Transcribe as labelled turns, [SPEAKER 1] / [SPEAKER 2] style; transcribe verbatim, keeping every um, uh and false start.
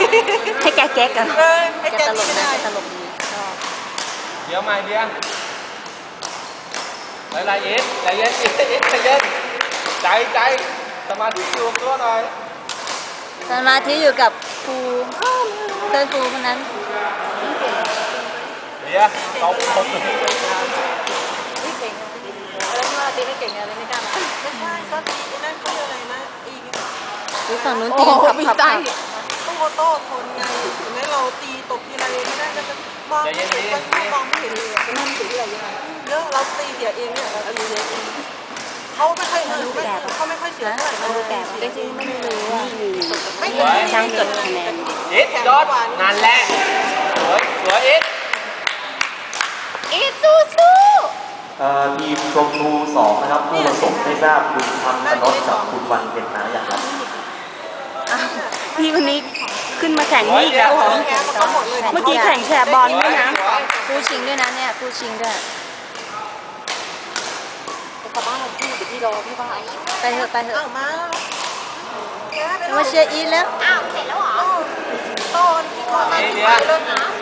[SPEAKER 1] ให้แกแก๊กกัน
[SPEAKER 2] เออให้
[SPEAKER 1] แก
[SPEAKER 2] แก
[SPEAKER 1] ตลก
[SPEAKER 2] ไม่
[SPEAKER 1] นะ
[SPEAKER 2] ได้
[SPEAKER 1] แกตลกดีชอบ
[SPEAKER 3] เดี๋ยวใหม่เดียวอะไรเอ็ดใจเย็นเอ็ดเอ็ดใจเย็นใจใจสมาธิอยู่ตัวหน่อย
[SPEAKER 1] สมาธิอยู่กับครูเพื่อนครูคนนั้น
[SPEAKER 3] เดี๋ยวตบตบ
[SPEAKER 1] นี่เก่งอะไรไม่ว่าตีไม่เก่งอะไรไม่กล้ามา
[SPEAKER 2] ไม่ใช่ก็ตีไอ้นั่นเขาเรียกอะไรนะอี
[SPEAKER 1] ดูฝั่งนู้นตีขับขับขับ
[SPEAKER 2] ต้องโอโต้คนไงเห็นไหมเราตีตบทีไรไม่ได้ก็จะมองไม่เห็นมันมองไม่เห็นเลยเป็นนั่นสีอะไรยังไงเยอะเราตีเสียเองเนี่ยเราตีเองเขาไม่ค่อยเออเขาไม่ค่อยเสียเท่าไหร่เราแก่จริงๆไม่รู้อ่ะไม่
[SPEAKER 1] ช่างจดคะแนน
[SPEAKER 3] เอ็ดยอดนั่นแหละสวยสวยเอ็ด
[SPEAKER 1] อีสู้สู้
[SPEAKER 4] เอ่อทีมชมพูสองนะครับผู้ผสมไม่ทราบคุณทำพนดกับคุณวันเป็นนาอย่างไร
[SPEAKER 1] พี่คนนี้ขึ้นมาแข่งนี่อีกแล้วเหรอเมื่อกี้แข่งแชร์บอลด้วยนะคู่ชิงด้วยนะเนี่ยคู่ชิงด้วยกลับบ้านเราพี่เดี๋ยวพี่รอพี่บ้านไปเถอะไปเถอะ
[SPEAKER 2] อ้าวมาแกไป
[SPEAKER 1] มาเชียร์อีทแล้ว
[SPEAKER 2] อ้าวเสร็จแล้วเหรอต้นที่ก่อนมาที่ไปเลยนะ